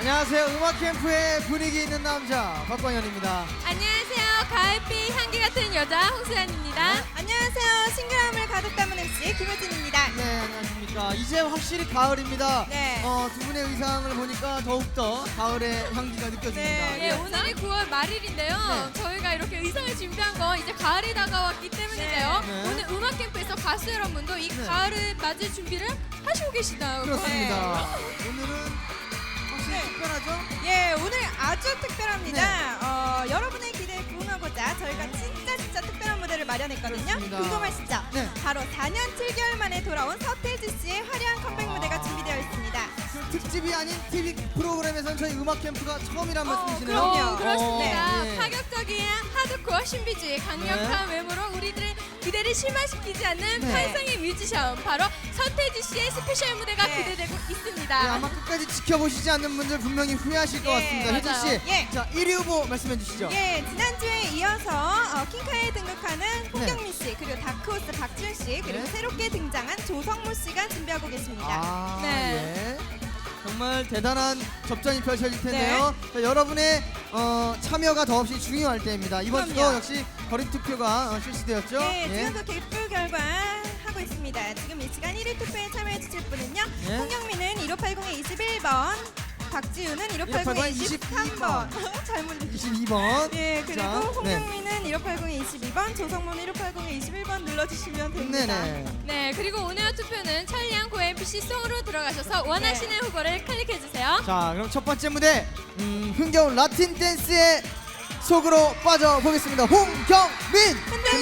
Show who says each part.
Speaker 1: 안녕하세요. 음악 캠프의 분위기 있는 남자 박광현입니다.
Speaker 2: 안녕하세요. 가을비 향기 같은 여자 홍수연입니다.
Speaker 1: 네.
Speaker 3: 안녕하세요. 싱그러움을 가득 담은 MC 김효진입니다.
Speaker 1: 네, 안녕하십니까. 이제 확실히 가을입니다.
Speaker 3: 네.
Speaker 1: 두 분의 의상을 보니까 더욱더 가을의 향기가 느껴집니다.
Speaker 3: 네,
Speaker 2: 네, 오늘이 9월 말일인데요.
Speaker 1: 네.
Speaker 2: 저희가 이렇게 의상을 준비한 건 이제 가을이 다가왔기 때문인데요.
Speaker 1: 네.
Speaker 2: 오늘 음악 캠프에서 가수 여러분도 이
Speaker 1: 네.
Speaker 2: 가을을 맞을 준비를 하시고 계시다고.
Speaker 1: 그렇습니다. 오늘은 확실히
Speaker 3: 네.
Speaker 1: 특별하죠?
Speaker 3: 예, 오늘 아주 특별합니다. 여러분의 기대에 부응하고자 저희가 진짜 특별한 무대를 마련했거든요.
Speaker 1: 그렇습니다.
Speaker 3: 궁금하시죠?
Speaker 1: 네.
Speaker 3: 바로 4년 7개월 만에 돌아온 서태지 씨의 화려한 컴백 무대가 준비되어 있습니다.
Speaker 1: 그 특집이 아닌 TV 프로그램에서는 저희 음악 캠프가 처음이란 말씀이시네요.
Speaker 3: 그럼요.
Speaker 2: 그렇습니다.
Speaker 1: 네.
Speaker 2: 파격적인 하드코어 신비주의 강력한 외모로 우리들의 기대를 실망시키지 않는
Speaker 1: 네.
Speaker 2: 환상의 뮤지션 바로 서태지 씨의 스페셜 무대가
Speaker 3: 네.
Speaker 2: 기대되고
Speaker 1: 네,
Speaker 2: 있습니다.
Speaker 1: 아마 끝까지 지켜보시지 않는 분들 분명히 후회하실 것
Speaker 3: 예,
Speaker 1: 같습니다. 효진
Speaker 2: 맞아요.
Speaker 1: 씨,
Speaker 3: 예.
Speaker 1: 자 1위 후보 말씀해 주시죠.
Speaker 3: 예, 지난주에 이어서 킹카에 등극하는 홍경민 씨, 그리고 다크호스 박지훈 씨, 그리고
Speaker 1: 네.
Speaker 3: 새롭게 등장한 조성모 씨가 준비하고 계십니다.
Speaker 1: 아,
Speaker 2: 네.
Speaker 1: 예. 정말 대단한 접전이 펼쳐질 텐데요. 자, 여러분의 참여가 더없이 중요할 때입니다. 이번 주도
Speaker 3: 그럼요.
Speaker 1: 역시 거리 투표가 실시되었죠.
Speaker 3: 네,
Speaker 1: 예.
Speaker 3: 지금도 개표 결과 하고 있습니다. 지금 이 시간 1위 투표에 참여해 주실 분은요.
Speaker 1: 네.
Speaker 3: 홍경민은 1580에 21번, 박지우는 1580에 23번. 잘못
Speaker 1: 22번.
Speaker 3: 예, 그리고
Speaker 1: 자,
Speaker 3: 홍경민은 1580에 22번, 조성모는 1580에 21번 눌러주시면 됩니다.
Speaker 1: 네네.
Speaker 2: 네, 그리고 오늘 투표는 찰리안 고MPC 송으로 들어가셔서 원하시는 후보를 클릭해주세요.
Speaker 1: 자, 그럼 첫 번째 무대 흥겨운 라틴 댄스의 속으로 빠져보겠습니다. 홍경민.